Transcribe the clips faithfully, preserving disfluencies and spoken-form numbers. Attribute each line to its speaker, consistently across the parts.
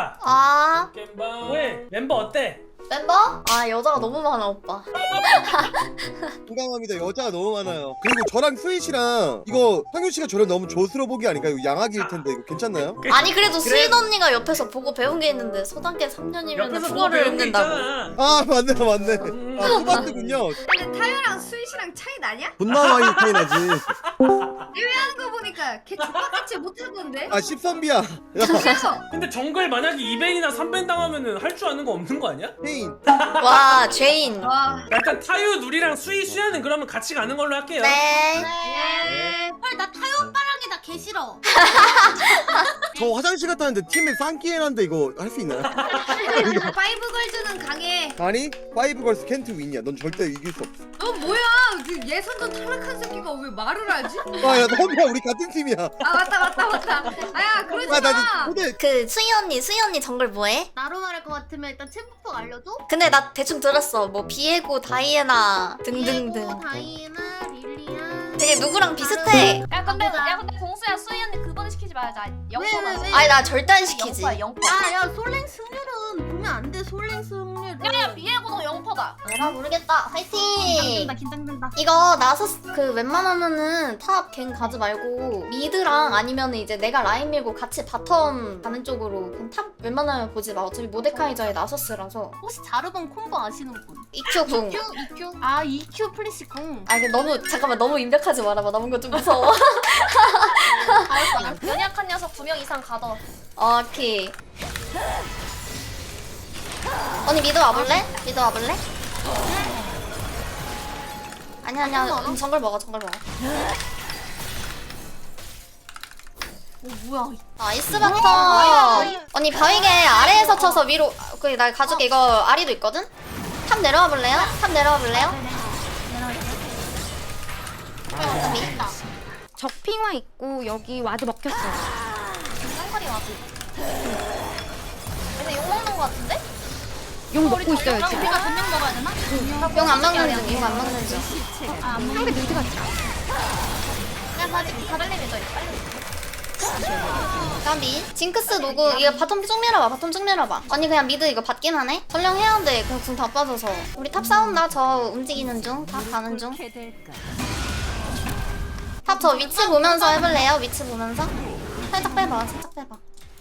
Speaker 1: 야
Speaker 2: 아
Speaker 1: 겜방 왜 멤버 어때?
Speaker 2: 멤버? 아 여자가 너무 많아 오빠.
Speaker 3: 공감합니다. 여자가 너무 많아요. 그리고 저랑 수희 씨랑 이거 상윤 씨가 저를 너무 조스러 보기 아닌가? 이거 양악일 텐데 이거 괜찮나요?
Speaker 2: 아니 그래도
Speaker 1: 그래.
Speaker 2: 수인 언니가 옆에서 보고 배운 게 있는데 소단계 삼 년이면
Speaker 1: 옆에서 보고
Speaker 2: 국어를
Speaker 1: 배운 게
Speaker 2: 읽는다고.
Speaker 1: 있잖아.
Speaker 3: 아 맞네 맞네.
Speaker 1: 음.
Speaker 3: 아 토마트군요.
Speaker 4: 근데 타요랑 수희씨랑 차이 나냐?
Speaker 3: 존나 많이 차이 나지.
Speaker 4: 대회하는 거 보니까 걔 족같이 못하던데?
Speaker 3: 아 십선비야. 야
Speaker 4: 그래서
Speaker 1: 근데 정글 만약에 이 벤이나 삼 벤 당하면은 할 줄 아는 거 없는 거 아니야?
Speaker 3: 페인.
Speaker 2: 와 죄인.
Speaker 4: 와
Speaker 1: 일단 타유 누리랑 수희 수야는 그러면 같이 가는 걸로 할게요.
Speaker 2: 네.
Speaker 4: 네.
Speaker 5: 헐나 타요 오빠랑이다 개 싫어.
Speaker 3: 저 화장실 갔다 왔는데 팀에 쌍기해놨는데 이거 할 수 있나요?
Speaker 4: 파이브 걸즈는 강해.
Speaker 3: 아니 파이브 걸스 캔트 윈이야. 넌 절대 이길 수 없어.
Speaker 4: 너 뭐야? 그 예선전 탈락한 새끼가 왜 말을 하지?
Speaker 3: 아야 너무야 우리 같은 팀이야.
Speaker 4: 아 맞다 맞다 맞다. 아야 그러지 마.
Speaker 3: 아나 근데
Speaker 2: 그 수희 언니 수희 언니 정글 뭐해?
Speaker 5: 나로 말할 것 같으면 일단 챔프폭 알려줘.
Speaker 2: 근데 나 대충 들었어. 뭐 비에고 다이애나 등등등.
Speaker 5: 비에고, 다이애나, 릴리아.
Speaker 2: 되게 누구랑 비슷해.
Speaker 6: 야 근데 야 근데 공수야 수희 언니 그거는 시키지 말자. 영포다.
Speaker 5: 왜, 왜?
Speaker 2: 아니 나 절대 안 시키지.
Speaker 6: 영포야 영포.
Speaker 5: 야야 솔랭 승률은 보면 안 돼. 솔랭 승률.
Speaker 6: 야야 비에고도 영포다.
Speaker 2: 내가 모르겠다. 화이팅.
Speaker 5: 긴장된다 긴장된다.
Speaker 2: 이거 나서스 그 웬만하면은 탑 갱 가지 말고 미드랑 아니면 이제 내가 라인 밀고 같이 바텀 가는 쪽으로 그냥 탑 웬만하면 보지 마. 어차피 모데카이저의 나서스라서.
Speaker 5: 혹시 자르본 콤보 아시는 분?
Speaker 2: 이큐 궁.
Speaker 5: 이큐 이큐. 아 이큐 플래시 궁.
Speaker 2: 아 이게 너무 잠깐만 너무 임백하지 말아봐. 남은 거 좀 무서워.
Speaker 5: 알았어 알았어.
Speaker 6: 연약한 녀석 두 명 이상 가둬.
Speaker 2: 오케이. 언니 미드 와볼래? 미드 와볼래? 아니 아니야. 음, 정글 먹어 정글 먹어.
Speaker 5: 오 뭐야?
Speaker 2: 나이스 바텀. 언니 바위게 아래에서 쳐서 위로. 그래 나 가줄게. 이거 아리도 있거든? 탑 내려와 볼래요? 탑 내려와 볼래요?
Speaker 5: 내려갈게. 있다.
Speaker 7: 적핑화 있고 여기 와드 먹혔어.
Speaker 6: 쌍거리 와지. 근데 욕 먹는 거 같은데?
Speaker 7: 용 먹고 있어요 지금.
Speaker 5: 우리가 분명 먹어야 되나?
Speaker 2: 용 안 먹는 중. 용 안 먹는 중.
Speaker 5: 아안
Speaker 7: 상대 미드가 있다.
Speaker 6: 야 빨리 가벨님이 더 빨리.
Speaker 2: 까비. 징크스 노구. 이거 바텀 쭉 밀어봐. 바텀 쭉 밀어봐. 언니 그냥 미드 이거 받긴 하네? 전령 해야 돼. 그냥 궁 다 빠져서. 우리 탑 싸운다. 저 움직이는 중. 탑 가는 중. 탑 저 위치 보면서 해볼래요? 위치 보면서? 살짝 빼봐. 살짝 빼봐.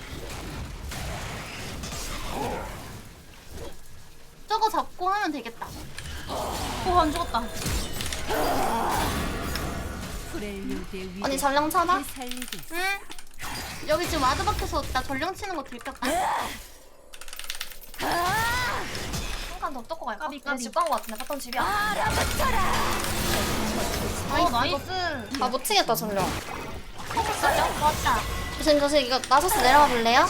Speaker 5: 저거 잡고 하면 되겠다. 오안 죽었다.
Speaker 2: 언니 전령 쳐봐.
Speaker 5: 응? 여기 지금 와드 박혀서 나 전령 치는 거 들켰다.
Speaker 6: 한칸 더 뜯고 갈까?
Speaker 5: 까비,
Speaker 6: 근데
Speaker 5: 까비.
Speaker 6: 집 간 거 같은데 바텀 집이야.
Speaker 5: 어 나이스.
Speaker 2: 아 못 치겠다 전령.
Speaker 5: 좋았다.
Speaker 2: 조심 조심. 이거 나서스 내려와 볼래요?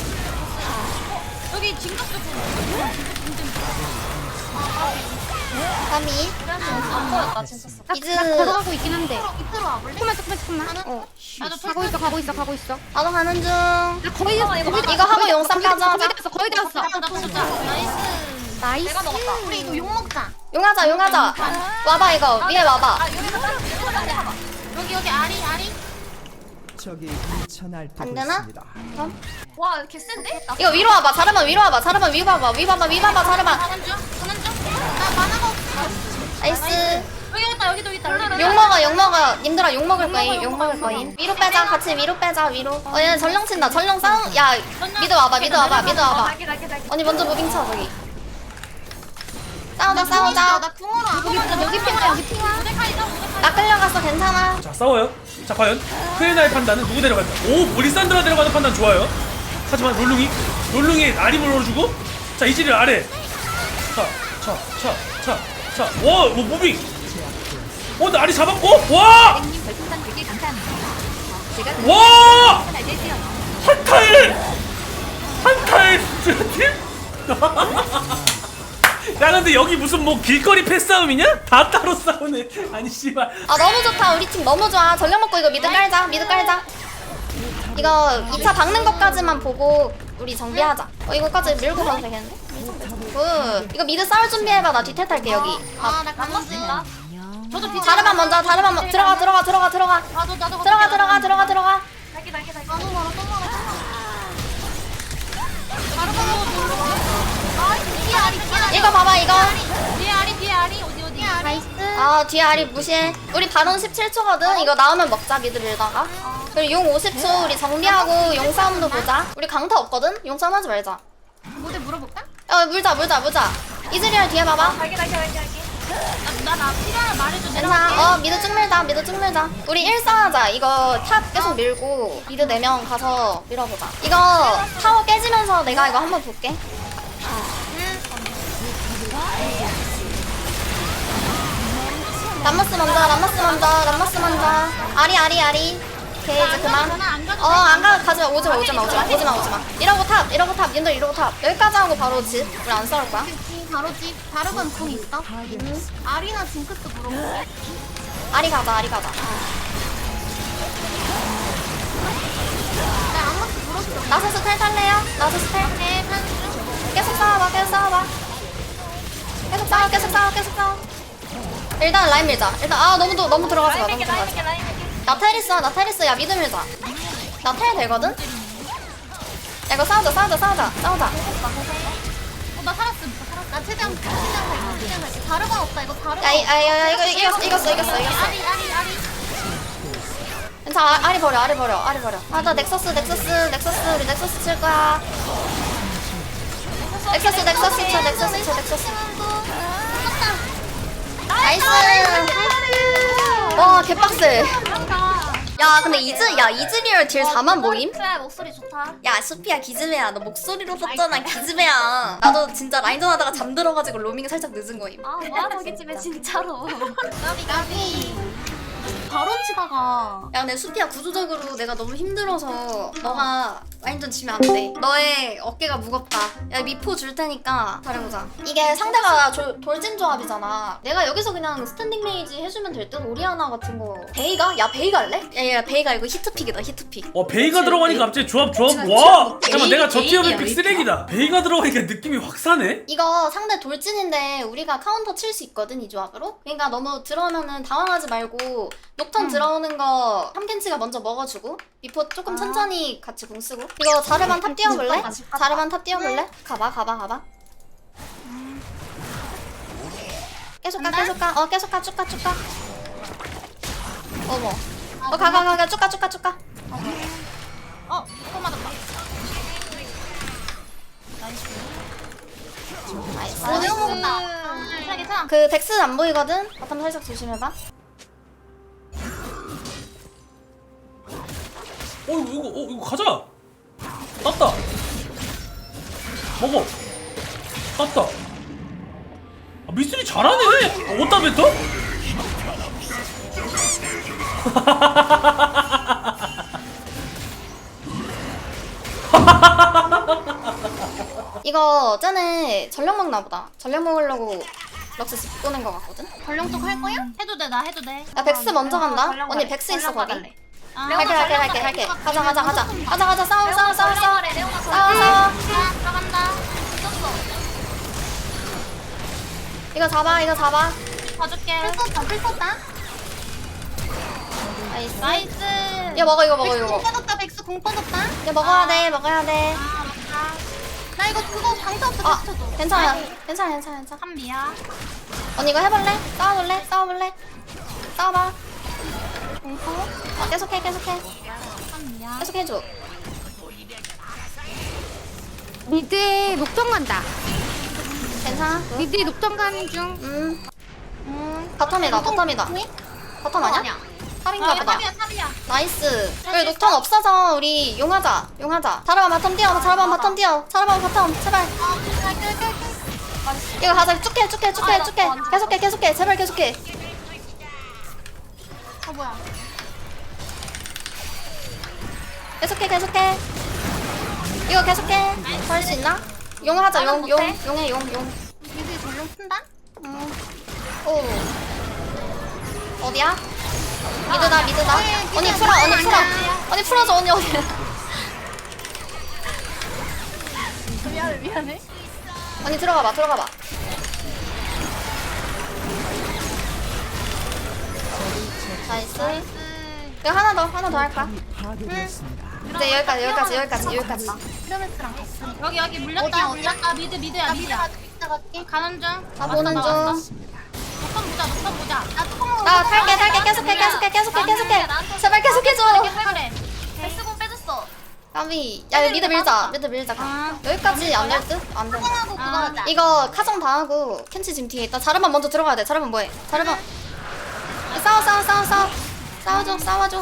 Speaker 5: 여기 진격도
Speaker 2: 까비.
Speaker 6: 안 보였다 진짜.
Speaker 7: 나,
Speaker 2: 미드.
Speaker 7: 나 들어가고 있긴 한데.
Speaker 5: 밑으로 와볼래?
Speaker 7: 조금만 조금만 조금만. 어.
Speaker 5: 나도
Speaker 7: 가고 있어 가고 있어 가고 있어.
Speaker 2: 나도 가는 중.
Speaker 7: 나 거의
Speaker 6: 이거, 이거
Speaker 7: 거의 다
Speaker 2: 이거 하고
Speaker 7: 거의
Speaker 2: 용쌈
Speaker 7: 다
Speaker 2: 가자,
Speaker 7: 거의 다 왔어 거의 다 왔어.
Speaker 5: 나 보자. 나이스.
Speaker 7: 나이스.
Speaker 6: 내가 먹었다.
Speaker 5: 우리 이거 욕 먹자.
Speaker 2: 용하자 용하자. 와봐 이거. 위에 와봐.
Speaker 6: 아 여기서 딱 여기서 해봐.
Speaker 5: 여기 여기 아리 아리.
Speaker 8: 적이 미천할
Speaker 2: 안 되나?
Speaker 6: 와 개센데? 나
Speaker 2: 이거 위로 와봐. 자르만 위로 와봐. 자르만 위 봐봐. 위 봐봐. 위 봐봐. 자르만.
Speaker 5: 가는 중 가는 중. 나 만화가 없어.
Speaker 2: 나이스.
Speaker 5: 여기 있다 여기도 있다.
Speaker 2: 욕 먹어. 욕 먹어. 님들아 욕 먹을 거임. 욕 먹을 거임. 위로 빼자. 같이 위로 빼자. 위로. 어 얘 전령 친다. 전령 싸움. 야 미드 와봐. 미드 와봐. 미드 와봐.
Speaker 6: 날개 날개 날개.
Speaker 2: 언니 먼저 무빙 쳐 저기. 싸우자 싸우자.
Speaker 5: 나 궁으로 안 보면
Speaker 7: 여기 핑화 여기 핑화.
Speaker 5: 모데카이다 모데카이.
Speaker 2: 나 끌려갔어. 괜찮아.
Speaker 1: 자 싸워요. 자 과연 크레나의 판단은 누구 데려갈까? 오 모리산드라 데려가는 판단 좋아요. 하지만 롤룽이 롤룽이 아림을 넣어주고 자 이지를 아래. 자자자자자와 뭐 무빙. 어 근데 아리 잡았고 와. 와! 한타일! 한타일 팀? 야 근데 여기 무슨 뭐 길거리 패싸움이냐? 다 따로 싸우네. 아니 씨발.
Speaker 2: 아 너무 좋다. 우리 팀 너무 좋아. 전령 먹고 이거 미드 깔자. 미드 깔자. 이거 이 차 박는 것까지만 보고 우리 정비하자. 어 이거까지 밀고 가도 되겠는데? 굿. 이거 미드 싸울 준비해봐. 나 뒤태 탈게 여기.
Speaker 5: 아나 가는 중. 저도 뒤.
Speaker 2: 자르만 먼저. 자르만 먼저. 들어가 들어가 들어가 들어가.
Speaker 5: 나도 나도
Speaker 2: 들어가 들어가 들어가 들어가.
Speaker 6: 날개 날개 날개.
Speaker 5: 나도 멀어 또 멀어 또 멀어.
Speaker 2: 이거 봐봐 이거.
Speaker 5: 뒤에 아리 뒤에 아리 어디 어디
Speaker 7: 나이스.
Speaker 2: 아 뒤에 아리 무시해. 우리 바론 십칠 초거든. 이거 나오면 먹자 미드 밀다가. 그리고 용 오십 초 우리 정비하고 용 싸움도 보자. 우리 강타 없거든. 용 싸움 하지 말자.
Speaker 5: 모델 물어볼까?
Speaker 2: 어 물자 물자 물자. 이즈리얼 뒤에 봐봐.
Speaker 6: 갈게 갈게 갈게 갈게.
Speaker 5: 나나 필요하면 말해줘.
Speaker 2: 괜찮아. 어 미드 쭉 밀자 미드 쭉 밀자. 우리 일 싸하자. 이거 탑 계속 밀고 미드 네 명 가서 밀어보자. 이거 타워 깨지면서 내가 이거 한번 볼게. 람머스 먼저 람머스 먼저 람머스 먼저. 아리 아리 아리. 오케이 이제 그만. 어 안 가 가지마 오지마 오지마 오지마 오지마 오지마. 이러고 탑 이러고 탑 님들 이러고 탑. 여기까지 하고 바로 집. 우리 안 싸울 거야.
Speaker 5: 바로 집 다르건 궁 있어? 아리나 징크스 물어볼게.
Speaker 2: 아리 가자 아리 가자.
Speaker 5: 나 아무것도 물었어.
Speaker 2: 나서스 텔 탈래요? 나서스 텔.
Speaker 5: 네, 한
Speaker 2: 계속 싸워봐 계속 싸워봐. 계속 싸워 계속 싸워 계속 싸워. 일단 라인 밀자. 일단 아 너무 너무 들어가지 마.
Speaker 6: 라인
Speaker 2: 너무
Speaker 6: 밀게 라인
Speaker 2: 들어가지
Speaker 6: 밀게
Speaker 2: 마.
Speaker 6: 라인 밀게.
Speaker 2: 나 테리스 나 테리스 야 미드 밀자. 나 텔 되거든? 야 이거 싸우자 싸우자 싸우자 싸우자.
Speaker 5: 어, 나 살았음. 나 살았어. 나 최대한 최대한 갈게. 최대한 갈게. 다르건 없다. 이거 다르건.
Speaker 2: 야야야 이거 이겼어 이겼어 이겼어 이겼어.
Speaker 5: 아리 아리 아리.
Speaker 2: 괜찮아 아, 아리 버려 아리 버려 아리 버려. 아 나 넥서스 넥서스 넥서스 우리 넥서스 칠 거야. 넥서스 넥서스 쳐 넥서스 쳐 넥서스. 나이스. 와 개빡세. 야 근데 이즈 야 이즈리얼 딜 사만 모임?
Speaker 6: 그래 목소리 좋다.
Speaker 2: 야 수피야 기즈메야 너 목소리로 썼잖아 기즈메야. 나도 진짜 라인전 하다가 잠들어가지고 로밍 살짝 늦은 거임.
Speaker 6: 아 뭐야 저기 집에 진짜로.
Speaker 5: 나비 나비. 바로 치다가.
Speaker 2: 야 근데 수피야 구조적으로 내가 너무 힘들어서 너가 라인전 지면 안 돼. 너의 어깨가 무겁다. 야 미포 줄 테니까 잘해보자. 이게 상대가 조, 돌진 조합이잖아. 내가 여기서 그냥 스탠딩 메이지 해주면 될 듯. 오리아나 같은 거. 베이가? 야 베이가 할래? 야야 베이가 이거 히트픽이다 히트픽.
Speaker 1: 어 베이가 들어가니까 갑자기 조합 조합
Speaker 2: 그치,
Speaker 1: 와
Speaker 2: 그치.
Speaker 1: 잠깐만 내가 저
Speaker 2: 베이,
Speaker 1: 티어의
Speaker 2: 베이야,
Speaker 1: 픽 쓰레기다. 베이가 들어가니까 느낌이 확 사네.
Speaker 2: 이거 상대 돌진인데 우리가 카운터 칠 수 있거든 이 조합으로. 그러니까 너무 들어오면은 당황하지 말고 녹턴 들어오는 거 삼켄치가 먼저 먹어주고 미포 조금 천천히 같이 공 쓰고. 이거 자르반 탑 뛰어볼래? 자르반 탑 뛰어볼래? 가봐 가봐 가봐. 계속 가 계속 가. 어 계속 가 쭉 가 쭉 가. 어머. 어 가 가 가 가 쭉 가 쭉 가 쭉 가.
Speaker 5: 어, 이거 맞았다.
Speaker 2: 나이스.
Speaker 5: 어, 내가 먹었다. 괜찮아, 괜찮아.
Speaker 2: 그 덱스 안 보이거든? 바텀 살짝 조심해봐.
Speaker 1: 어 이거 이거 어 이거 가자. 땄다. 먹어. 땄다. 아, 미스리 잘하네. 어, 어디다 뱉어?
Speaker 2: 이거 쟤네 전력 먹나 보다. 전력 먹으려고 럭스 집 꺼낸 거 같거든?
Speaker 5: 전령 쪽 할 거야? 해도 돼, 나 해도 돼.
Speaker 2: 야 백스 먼저 간다?
Speaker 6: 전력
Speaker 2: 언니
Speaker 6: 가-
Speaker 2: 백스 있어
Speaker 6: 전력
Speaker 2: 거기.
Speaker 6: 가달래.
Speaker 5: 아,
Speaker 2: 갈게 갈게 갈게 갈게. 가자 가자 가자. 가자 가자 싸워 싸워 싸워 싸워.
Speaker 6: 레오나 레오나
Speaker 2: 싸워 싸워.
Speaker 5: 아, 들어간다. 늦었어.
Speaker 2: 이거 잡아 이거 잡아.
Speaker 5: 봐줄게. 풀 썼다, 풀 썼다.
Speaker 2: 나이스.
Speaker 5: 나이스.
Speaker 2: 이거 먹어 이거 먹어
Speaker 5: 백수
Speaker 2: 이거
Speaker 5: 공
Speaker 2: 먹어.
Speaker 5: 빠졌다, 백수 공 빠졌다.
Speaker 2: 이거 먹어야 돼 먹어야 돼.
Speaker 5: 아, 맞다. 나 이거 그거 방사 없어,
Speaker 2: 아
Speaker 5: 쳐
Speaker 2: 괜찮아 괜찮아 괜찮아 괜찮아.
Speaker 5: 한비야.
Speaker 2: 언니 이거 해볼래? 싸워볼래? 싸워볼래? 싸워봐. 공포. 어 계속해 계속해.
Speaker 5: 한비야.
Speaker 2: 계속 해줘.
Speaker 7: 미드에 녹턴 간다.
Speaker 2: 괜찮아.
Speaker 7: 미드에 녹턴 가는 중.
Speaker 2: 음. 음. 바텀이다 바텀이다. 바텀 아니야? 탑인가
Speaker 5: 아,
Speaker 2: 보다.
Speaker 5: 탑이야, 탑이야.
Speaker 2: 나이스. 여기 녹턴 없어서 우리 용하자. 용하자. 자르반 바텀 뛰어. 자르반 바텀 뛰어. 자르반 바텀 제발.
Speaker 5: 아, 갈게, 갈게, 갈게.
Speaker 2: 이거 가자. 쭉해 쭉해 쭉해 쭉해. 계속해 계속해. 제발 계속해.
Speaker 5: 어, 뭐야.
Speaker 2: 계속해 계속해. 이거 계속해. 할 수 있나? 용하자. 용 용 용해 용 용.
Speaker 5: 미드 전령 쓴다?
Speaker 2: 음. 오. 어디야? 미드다 미드다. 언니 풀어 언니 풀어. 언니 풀어줘 언니 어디?
Speaker 6: 미안해 미안해.
Speaker 2: 언니 들어가봐 들어가봐. 나이스. 이거 하나 더 하나 더 할까?
Speaker 8: 파괴되었습니다.
Speaker 2: 이제 여기까지 여기까지 여기까지 여기까지.
Speaker 5: 피라미스랑 갔어. 여기 여기 물렸다 물렸다 미드 미드야 미드야. 가는 중.
Speaker 2: 나 보는 중.
Speaker 5: 녹턴 보자 녹턴 보자. 나 통.
Speaker 2: 나 탈게 탈게 계속해 계속해 계속해 계속해. 제발 계속해줘.
Speaker 5: 그래.
Speaker 6: 백스공 빼줬어.
Speaker 2: 까비. 야 이거 미드 밀자. 미드 밀자. 가. 여기까지 안 될 듯? 안 돼.
Speaker 5: 하고 그거 하자.
Speaker 2: 이거 카정 당하고 켄치 지금 뒤에 있다. 자르만 먼저 들어가야 돼. 자르만 뭐해? 자르만. 싸워 싸워 싸워 싸워. 싸워줘 싸워줘.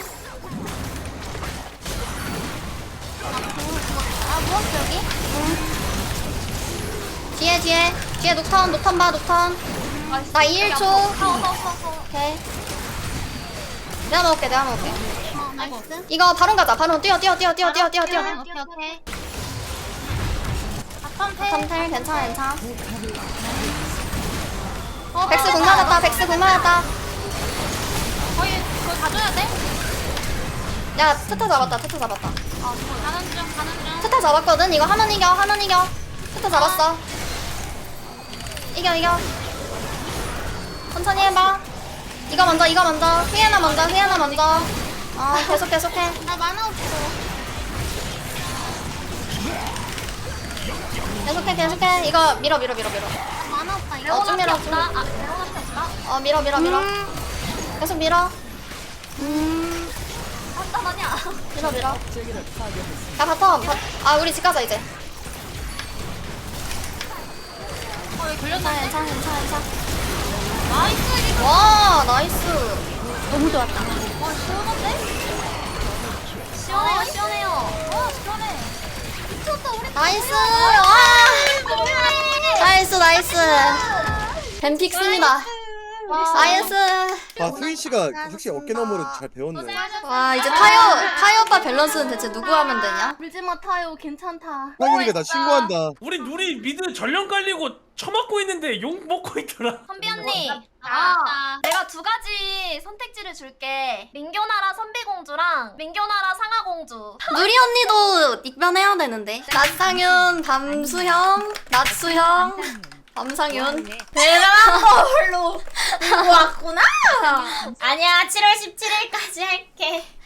Speaker 5: 아 무엇 여기?
Speaker 2: 뒤에 뒤에 뒤에 녹턴 녹턴 봐 녹턴. 나 일 초.
Speaker 6: 서서서서.
Speaker 2: 오케이. 내가 먹을게 내가 먹을게.
Speaker 5: 어 나이스.
Speaker 2: 이거 바론 가자. 바론 뛰어 뛰어 뛰어 뛰어 뛰어 뛰어 뛰어.
Speaker 5: 오케이 오케이. 바텀 패.
Speaker 2: 탐탈 괜찮아 괜찮아. 백스 공 맞았다. 백스 공 맞았다.
Speaker 5: 거의 거의 가져야 돼?
Speaker 2: 야 트타 잡았다. 트타 잡았다.
Speaker 5: 어 가는 중 가는 중.
Speaker 2: 트타 잡았거든. 이거 하면 이겨 하면 이겨. 트타 잡았어. 이겨 이겨. 천천히 해봐. 이거 먼저 이거 먼저. 휘에나 먼저 휘에나 먼저. 어 계속 계속해.
Speaker 5: 나 만화 없어.
Speaker 2: 계속해 계속해. 이거 밀어 밀어 밀어 밀어.
Speaker 5: 만화 없다.
Speaker 2: 어, 좀 밀어 좀.
Speaker 6: 아, 레오나한테 없나?
Speaker 2: 어 밀어 밀어 밀어. 계속 밀어.
Speaker 6: 잠깐만요.
Speaker 2: 밀어 밀어. 야 바텀. 바... 아 우리 집 가자 이제.
Speaker 5: 어 여기 걸렸나?
Speaker 2: 괜찮아 괜찮아 괜찮아.
Speaker 5: 나이스 이거.
Speaker 2: 와 나이스.
Speaker 7: 너무 좋았다.
Speaker 5: 와 시원한데?
Speaker 6: 시원해요, 시원해요.
Speaker 5: 어 시원해. 미쳤다 우리.
Speaker 2: 나이스. 와. 나이스 나이스. 뱀픽스입니다. 나이스.
Speaker 3: 아 스위 씨가 확실히 어깨 너머로 잘 배웠네.
Speaker 2: 와 이제 타요 타요 오빠 밸런스는 대체 누구 하면 되냐?
Speaker 5: 울지마 타요 괜찮다.
Speaker 3: 상윤이가 나 신고한다.
Speaker 1: 우리 우리 미드 전령 깔리고 처맞고 있는데 욕 먹고 있더라.
Speaker 6: 선비 언니.
Speaker 5: 아,
Speaker 6: 아, 내가 두 가지 선택지를 줄게. 민교나라 선비공주랑 민교나라 상하공주.
Speaker 2: 누리 언니도 익변해야 되는데. 낮상윤, 밤수형, 낮수형, 밤상윤.
Speaker 6: 대단한 걸로 왔구나. 아니야, 칠월 십칠일까지 할게.